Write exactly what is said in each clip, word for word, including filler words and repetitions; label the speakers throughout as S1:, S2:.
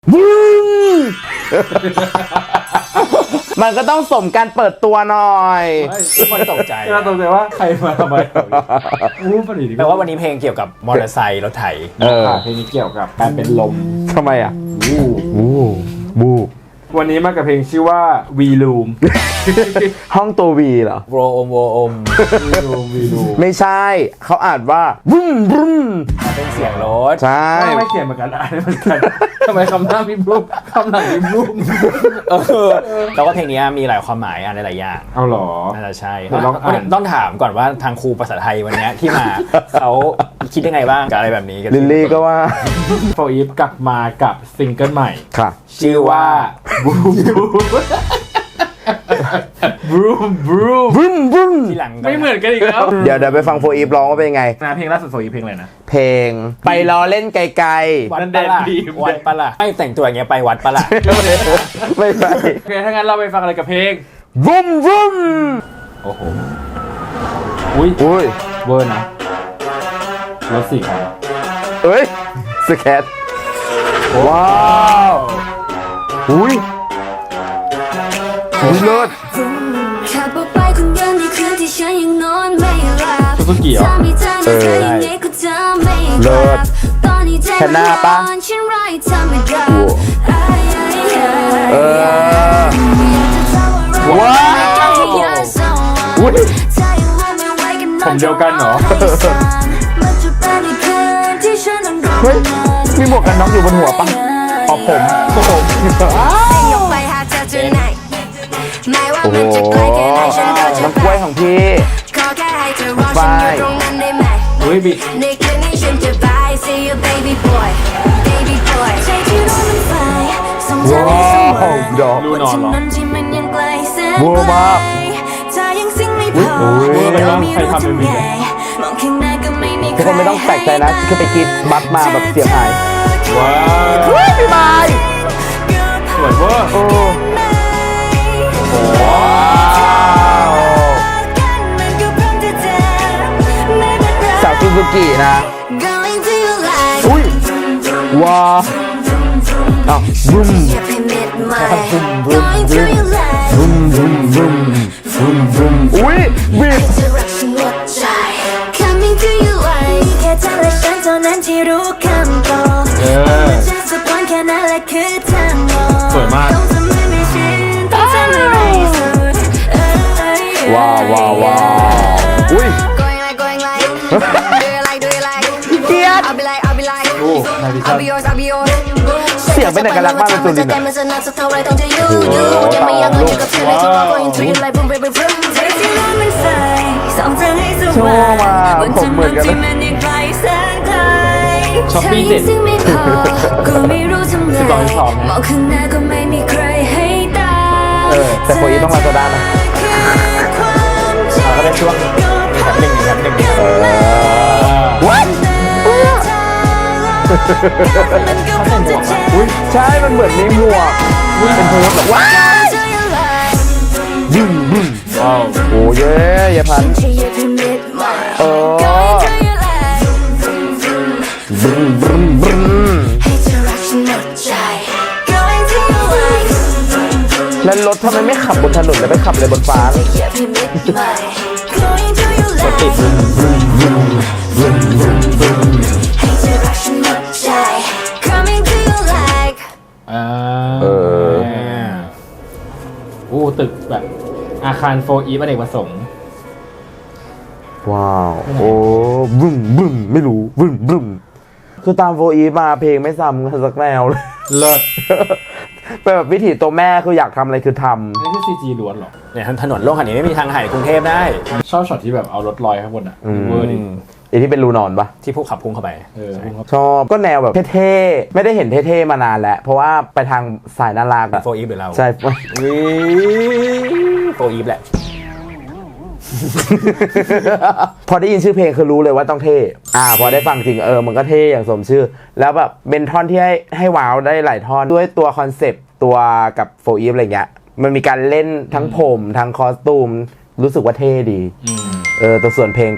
S1: มันก็ต้องสมการเปิดตัวหน่อย
S2: ทุกคนตกใจ
S3: เราตกใจว่าใครมาทำไมอู้ปดิษฐ์
S2: แปลว่าวันนี้เพลงเกี่ยวกับมอเตอร์ไซค์รถไถ
S3: เออเพลงนี้เกี่ยวกับการเป็นลม
S1: ทำไมอ่ะ
S3: วู้
S1: วู้วู้
S3: วันนี้มากับเพลงชื่อว่า V Room
S1: ห้องตัววีเหรอ
S2: โวอมโวอม
S3: V Room V Room
S1: ไม่ใช่เขาอ่านว่าบึ้มบึ้ม
S2: เป็นเสียงรถ
S1: ใช่
S3: ไม่เขียนเหมือนกันอ่านเหมือนกันทำไมคำหน้าพิมพ์รูปคำหลังพิมพ์รูป
S2: แล้วก็เพลงนี้มีหลายความหมายอะไรหลายอย่าง
S3: เอาหรอ
S2: น่าจะใช่
S3: ต้อง
S2: ถามก่อนว่าทางครูภาษาไทยวันนี้ที่มาเขาคิดยังไงบ้างกับอะไรแบบนี้กัน
S1: ลิลลี่ก็ว่า
S3: โฟอีฟกลับมากับซิงเกิลใหม่
S1: ค่ะ
S2: ชื่อว่า
S3: บูมบรูมบรูม
S1: บรูมบรูม
S2: ที่หลัง
S3: ไม่เหมือนกันอีกแล้ว
S1: เดี๋ยวเดี๋ยวไปฟังโฟอีฟร้องว่าเป็นไง
S3: นะเพลงล่าสุดโฟอีฟเพลงอะไรนะ
S1: เพลงไปรอเล่นไกล
S2: ๆวัดปะล่ะวัดปะล่ะไม่แต่งตัวอย่างเงี้ยไปวัดปะล่ะ
S1: ไม่ไป
S3: โอเคถ้างั้นเราไปฟังอะไรกับเพลง
S1: วุ้มวุ้ม
S3: โอ้โหอุ้ย
S1: อุ้ย
S3: เวอร์นะรถสี่คัน
S1: เอ้ยสแคทว้าวอุ้ยอุ้ยเลิศ
S3: ซูซูกิเหรอ
S1: เออเลิศแค่หน้าปะเออว้าวอุ้ย
S3: ผมเดียวกันเหรอ
S1: เฮ้ยมีหมวกกันน็อกอยู่บนหัวปะอ๋อผมผมโอ้โหน้ำกล้วยของพี่ไฟ
S3: เฮ้ยบิด
S1: ว้าวดอก
S3: ดูนอนเหรอ
S1: วัวมาก
S3: อุ้ยโอ้ยอะไรวะใครทำเป็นบิด
S1: ทุกคนไม่ต้องแปลกใจนะคือไปกินบัตมาแบบเสียงหาย
S3: ว้าว
S1: เฮ้ยพี่บาย
S3: สวยเวอร์
S1: โอ้
S3: ว้าว
S1: สาวซูซูกินะอุ้ยว้าวอ้าวบึ้มบึ้มบึ้มบึ้มบึ้มบึ้มบึ้มบึ้มบึ้มอุ้ยบิด
S3: เออสวยมาก
S1: ว้าวว้าวว้าวอุ้ยเกียร์
S3: โอ้นาฬิกา
S1: เสียงเป็นเอกลักษณ์มากเลยตัวนี้โอ้โหตาลูก
S3: ว้าว
S1: โชว์มาผมเหมือนกันเลย
S3: ช้อปปี้เด็ดสิบสองสอง
S1: เออแต่โฟอีต้องมาโซดานะ
S2: เราก็ได้ช่วงแถบหนึ่งแถบหนึ่ง
S1: เออวัดอุ้ยใช่มันเหมือนมีหมวกเป็นโพสแบบว้าวบึ้มบึ้ม
S3: ว้าว
S1: โอ้เย่ยายพันเออบึ้มบึ้มบึ้มแล้วรถทำไมไม่ขับบนถนนแล้วไปขับเลยบนฟ้ารถติด
S3: อ่าเออโอ้ตึกแบบอาคารโฟอีฟอเนกประสงค์
S1: ว้าวโอ้บึ้มบึ้มไม่รู้บึ้มบึ้มคือตามโฟอีฟมาเพลงไม่ซ้ำกันสักแนวเลย
S3: เลิศ
S1: เป็นแบบวิถีตัวแม่คืออยากทำอะไรคือทำ
S3: นี่คือซีจีล้วนหรอ
S2: เนี่ยถนนโล่งขนาดนี้ไม่มีทางหายกรุงเทพได้
S3: ชอบช็อตที่แบบเอารถลอยข้างบนอ่ะเวอร์ดิ
S1: ไอ้ที่เป็นรูนอนปะ
S2: ที่พวกขับพุ่งเข้าไป
S3: เออ
S1: ชอบก็แนวแบบเท่ๆไม่ได้เห็นเท่ๆมานานแล้วเพราะว่าไปทางสายน่ารัก
S2: โฟอีฟหรือเรา
S1: ใช่
S2: โฟอีฟแหละ
S1: พอได้ยินชื่อเพลงคือรู้เลยว่าต้องเท่อ่าพอได้ฟังจริงเออมันก็เท่อย่างสมชื่อแล้วแบบเป็นท่อนที่ให้ให้ว้าวได้หลายท่อนด้วยตัวคอนเซปต์ตัวกับโฟอีฟอะไรเงี้ยมันมีการเล่นทั้งผมทั้งคอสตูมรู้สึกว่าเท่ดีเออตัวส่วนเพลงก็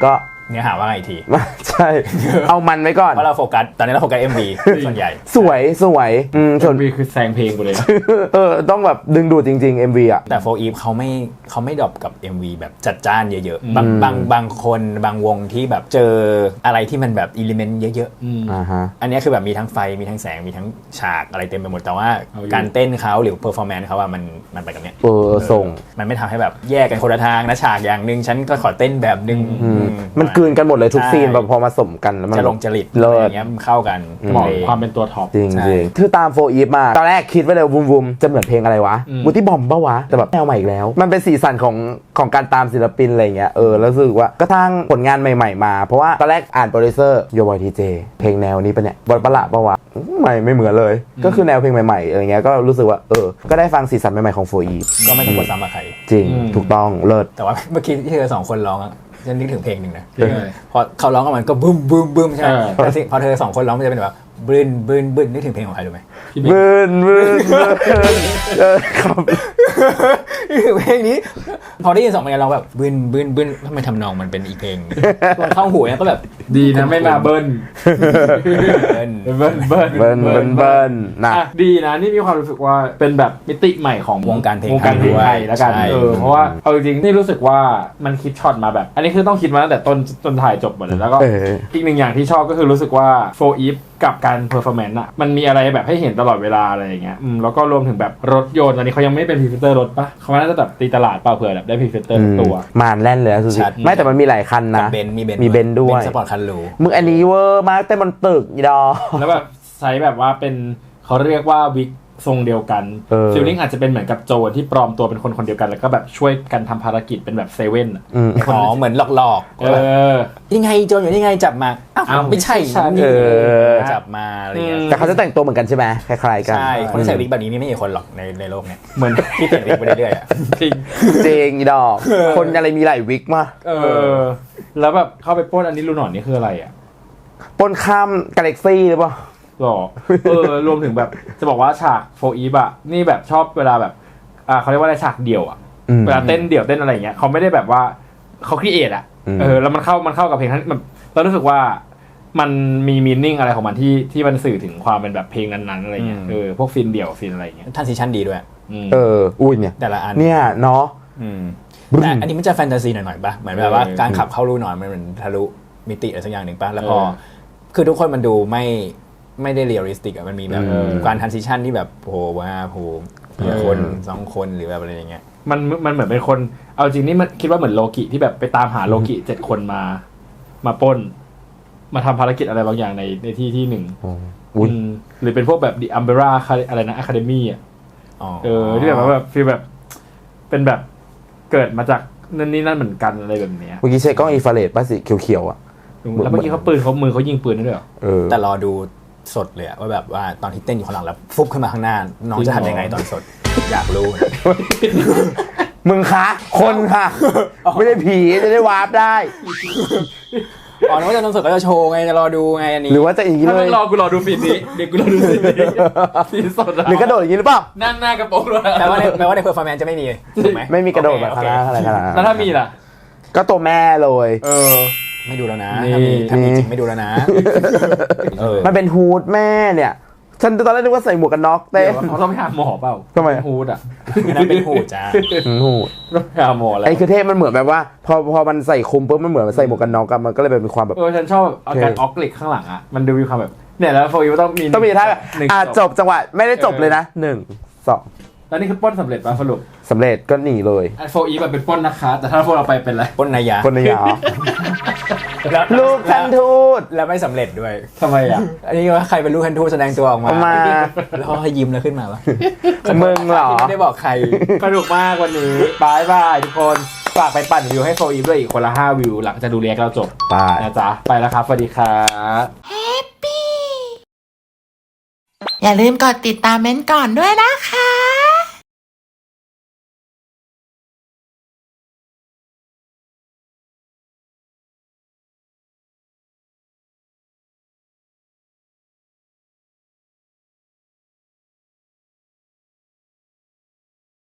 S2: เนื้อหาว่าไงอีกที
S1: ใช่ เอามันไว้ก่อน
S2: เพราะเราโฟกัสตอนนี้เราโฟกัส เอ็ม วี ส่วนใหญ่
S1: สวยสวยอืมส่วน
S3: มีคือแซงเพลงไปเลยนะ
S1: เออต้องแบบดึงดูดจริงๆ เอ็ม วี อ่ะ
S2: แต่โฟอีฟเขาไม่เขาไม่ดรอปกับ เอ็ม วี แบบจัดจ้านเยอะ
S3: อืม
S2: ๆบางบางบางคนบางวงที่แบบเจออะไรที่มันแบบอิเลเมนต์เยอะ
S3: อืม
S1: อ่าฮะ
S2: ๆ อันนี้คือแบบมีทั้งไฟมีทั้งแสงมีทั้งฉากอะไรเต็มไปหมดแต่ว่า
S3: เอาอยู่
S2: การเต้นเขาหรือเพอร์ฟอร์แมนซ์เขาอะมันมันไปกับเนี้ย
S1: เออส่ง
S2: มันไม่ทำให้แบบแยกกันคนละทางนะฉากอย่างหนึ่งฉันก็ขอเต้นแบบหนึ่ง
S1: อืม
S2: อื
S1: มันกลืนกันหมดเลยทุก
S2: ใช่
S1: ซีนแบบพอมาสมกันแล้วมัน
S2: จะลงจริต
S1: เลิ
S2: อะไรอ
S1: ศ
S2: ย่างเงี้ยมันเข้ากัน
S3: เหมาะ
S2: เพลง
S3: ความเป็นตัวท็อป
S1: จริง
S2: ใช่
S1: จริงคือตามโฟอีฟมาตอนแรกคิดไว้เลยวุมวุมจะเหมือนเพลงอะไรวะ
S3: อืม
S1: บูตี้บอมปะวะแต่แบบแนวใหม่อีกแล้ว มันเป็นสีสันของของการตามศิลปินอะไรเงี้ยเออแล้วรู้สึกว่าก็ทั้งผลงานใหม่ๆมาเพราะว่าตอนแรกอ่านโปรดิวเซอร์โยบอยทีเจเพลงแนวนี้ปะเนี่ยบอลประหลาดปะวะไม่ไม่เหมือนเลย ก็คือแนวเพลงใหม่ๆอะไรเงี้ยก็รู้สึกว่าเออก็ได้ฟังสีสันใหม่ๆของโฟอีฟ
S2: ก็ไม่ต้องกดซ้ำกับใคร
S1: จริง
S3: อืม
S1: ถูกต้องเลิศ
S2: แต่ว่าเมื่อกี้ที่เธอสองคนร้องอะฉันนึกถึงเพลงหนึ่งนะ
S3: เพลงอะไร
S2: พอเขาร้องกันมันก็บึ้มบึ้มบึ้มใช่ไหม
S3: เออ
S2: แต่สิพอเธอสองคนร้องมันจะเป็นแบบบึ้นบึ้นบึ้นนึกถึงเพลงของใครรู้ไหม
S3: พี่เบน
S1: เบิร์นเบิร์นเบิร์นเออครับ
S2: นึกถึงเพลงนี้ พอได้ยินสองเพลงเราแบบบึ้นบึ้นบึ้นทำไมทำนองมันเป็นอีกเพลงตอนเข้าหูเนี่ยก็แบบ
S3: ดีนะไม่มาเบิ้ล
S2: เบิ้ล
S3: เบิ้ลเบิ้ล
S1: เบิร์นเบิร์นเบิร์นนะ
S3: อ่ะดีนะนี่มีความรู้สึกว่าเป็นแบบมิติใหม่ของ
S2: วงการเพลง
S3: วงการเพลงไทย
S2: ไทย
S3: แล้วกัน
S2: ใช่
S3: เออเพราะว่าเอาจริงๆนี่รู้สึกว่ามันคิดช็อตมาแบบ อันนี้คือต้องคิดมาตั้งแต่ต้นจนถ่ายจบหมดเลยแล้วก็
S1: เออ
S3: อีกหนึ่งอย่างที่ชอบก็คือรู้สึกว่าโฟอีฟกับการเพอร์ฟอร์แมนซ์อ่ะมันมีอะไรแบบให้เห็นตลอดเวลาอะไรอย่างเงี้ยอืมแล้วก็รวมถึงแบบรถยนต์ตอนนี้เขายังไม่เป็นพรีเซนเตอร์รถปะเขาน่าจะแบบตีตลาดเปล่าเผื่อแบบได้พรีเซนเตอร์ตัว
S1: มานแล่นเลยนะสุด
S2: ชัด
S1: ๆไม่แต่มันมีหลายคัน
S2: กับ
S1: นะ
S2: เบนซ์มีเบนซ์
S1: มีเบนซ์ด้วย
S2: เบนซ์สปอร์ตคันหรู
S1: มึงอันนี้เวอร์มากแต่มันตึกอีดอ
S3: แล้วแบบใช้แบบว่าเป็นเขาเรียกว่าวิกทรงเดียวกัน
S1: เออ
S3: ฟิลลิ่งอาจจะเป็นเหมือนกับโจรที่ปลอมตัวเป็นคนคนเดียวกันแล้วก็แบบช่วยกันทำภารกิจเป็นแบบเซเว่นอะ
S1: อืม
S2: อ๋อเหมือนหลอกๆ
S3: เออ
S2: ยังไงโจรอยู่นี่ไงจับมาอ้าว
S3: อ้าว
S2: ไม่ใช่
S3: ไม่ใช่
S2: นี่
S1: เออ
S2: จับมาอะไรเงี้ย
S3: อืม
S1: แต่เขาจะแต่งตัวเหมือนกันใช่ไหมคล้ายๆกัน
S2: ใช่คนที่ใส่วิกแบบนี้มีไม่กี่คนหรอกในในโลกเนี้ย
S3: เหมือน
S2: ที่เปลี่ยนวิกไปเรื่อยๆอะ
S3: จริง
S1: จริงอีดอก คนอะไรมีหลายวิกมา
S3: เออ แล้วแบบเข้าไปปล้นอันนี้รูหนอนนี่คืออะไรอ่ะ
S1: ปนข้ามกาแล็กซี่หรือเปล่า
S3: หรอ เออ รวมถึงแบบจะบอกว่าฉากโฟอีฟอะนี่แบบชอบเวลาแบบอ่าเขาเรียกว่าอะไรฉากเดี่ยวอะ
S1: อืม
S3: เวลาเต้นเดี่ยวเต้นอะไรอย่างเงี้ยเขาไม่ได้แบบว่าเขาครีเอทอะ
S1: อืม
S3: เออแล้วมันเข้ามันเข้ากับเพลงทั้งมันเรารู้สึกว่ามันมีมีนิ่งอะไรของมันที่ที่มันสื่อถึงความเป็นแบบเพลงนั้นๆอะไรเงี้ยเออพวกฟินเดี่ยวฟินอะไรเงี้ย
S2: ทันซีชั่นดีด้วย
S3: อืม
S1: เออ อุ้ยเนี่ย
S2: แต่ละอัน
S1: เนี่ยเนาะ
S2: อืม
S1: บึ้ม
S2: แต่อันนี้มันจะแฟนตาซีหน่อยๆป่ะเหมือนแบบว่า
S3: เออ
S2: การขับเข้ารูหนอนมันเหมือนทะลุมิติอะไรสักอย่างหนึ่งป่ะแล้วพอ
S3: เออ
S2: คือทุกคนมันดูไม่ไม่ได้เรียลลิสติกอะมันมีแบบ
S1: เออ
S2: การทันซิชันที่แบบโผล่มาโผล่ทีละคนสองคนหรือแบบอะไรอย่างเงี้ย
S3: มันมันเหมือนเป็นคนเอาจริงนี่มันคิดว่าเหมือนโลกิที่แบบไปตามหาโลกิเจ็ดคนมา มาปล้น มาทำภารกิจอะไรบางอย่างในในที่ที่หนึ่ง
S1: อ๋ออุ้ย
S3: อืมหรือเป็นพวกแบบดิอัมเบร่าอะไรนะอะคาเดมี่อ่ะ
S2: อ๋อ
S3: เออที่แบบว่าแบบฟีลแบบเป็นแบบเกิดมาจากนั่นนี่นั่นเหมือนกันอะไรแบบเนี้ย
S1: เมื่อกี้ใช้กล้องอินฟราเรดป่ะสีเขียวๆอ่ะ
S3: แล้วเมื่อกี้เขาปืนเขามือเขายิงปืนได้ด้วยเหรอ
S1: เออ
S2: แต่รอดูสดเลยอะว่าแบบว่าตอนที่เต้นอยู่ข้างหลังแล้วฟุบขึ้นมาข้างหน้า น้องจะทำยังไงตอนสด อยากรู้
S1: มึงคะคนค่ะ ไม่ได้ผีจะได้วาร์ปได้
S2: อ๋อนึกว่าจะตอนสดก็จะโชว์ไงจะรอดูไงอันนี้
S1: หรือว่าจะอย่างนี้
S3: ถ้า
S1: เล
S3: มึ
S1: ย
S3: งรอกูรอดูฟีดนี้เดี๋ยวกูรอดูฟีดนี้ฟีดสด
S1: หรือกระโดดอย่างนี้หรือเปล่า
S3: นั่งหน้ากระโปรงด้วย
S2: แปลว่าในแปลว่าในเพอร์ฟอร์แมนซ์จะไม่มีถูกไหม
S1: ไม่มีกระโดดแบบ
S2: โอ
S1: ข
S2: เค
S1: นาดอะไรขนาดนั้น
S3: แล้วถ้ามีล่ะ
S1: ก็ตัวแม่เลย
S3: เออ
S2: ไม่ดูแล้วนะ
S3: นี่
S2: ถ้ามีถ้ามีจริงไม่ดูแล้วนะเออ
S1: มันเป็นฮูดแม่เนี่ย ฉันตอนแรกนึกว่าใส่หมวกกันน็อกเต้
S3: เดี๋
S1: น
S3: ยวเขาต้องไปหาหมอเปล่า
S1: ทำไม
S3: ฮูดอ่ะ
S2: อันนั้นเป็นหูจ้า
S1: ฮูด
S3: ต้องไปหาหมอแล้ว
S1: ไอ้คือเทพมันเหมือนแบบว่า พอพอมันใส่คุมปุ๊บมันเหมือนมันใส่หมวกกันน็อกอะมันก็เลยแบบมีความแบบ
S3: เออฉันชอบอาการออกเหล็กข้างหลังอ่ะมันดูมีความแบบเนี่ยแล้วโฟร์ต้องมี
S1: ต้องมีท่าแบบ
S3: หนึ่ง
S1: อ่ะจบจังหวะไม่ได้จบเลยนะหนึ่งสอง
S3: แล้วนี่คือปล้นสำเร็จป่ะสรุป
S1: สำเร็จก็หนีเลย
S3: ไอโฟอีแบบเป็นปล้นนะคะ แต่ถ้าโฟเราไปเป็นอะไร
S2: ปล้นนายา
S1: คนในยา
S2: แล้ว
S1: ลูกท่านทูต
S2: แล้วไม่สำเร็จด้วย
S3: ทำไมอ่ะ
S2: อันนี้ว่าใครเป็นลูกทันทูตแสดงตัวออกมา
S1: เอามา
S2: แล้วเขาให้ยิ้มแล้วขึ้นมาวะ
S1: มึงเหรอ
S2: ไม่ได้บอกใคร
S3: สนุกมากวันนี้บายบายทุกคนฝากไปปั่นวิวให้โฟอีด้วยอีกคนละห้าวิวหลังจากดูเรียกเราจบ
S1: ไป
S3: นะจ๊ะไปแล้วครับสวัสดีครับ
S4: อย่าลืมกดติดตามเม้นท์ก่อนด้วยนะคะ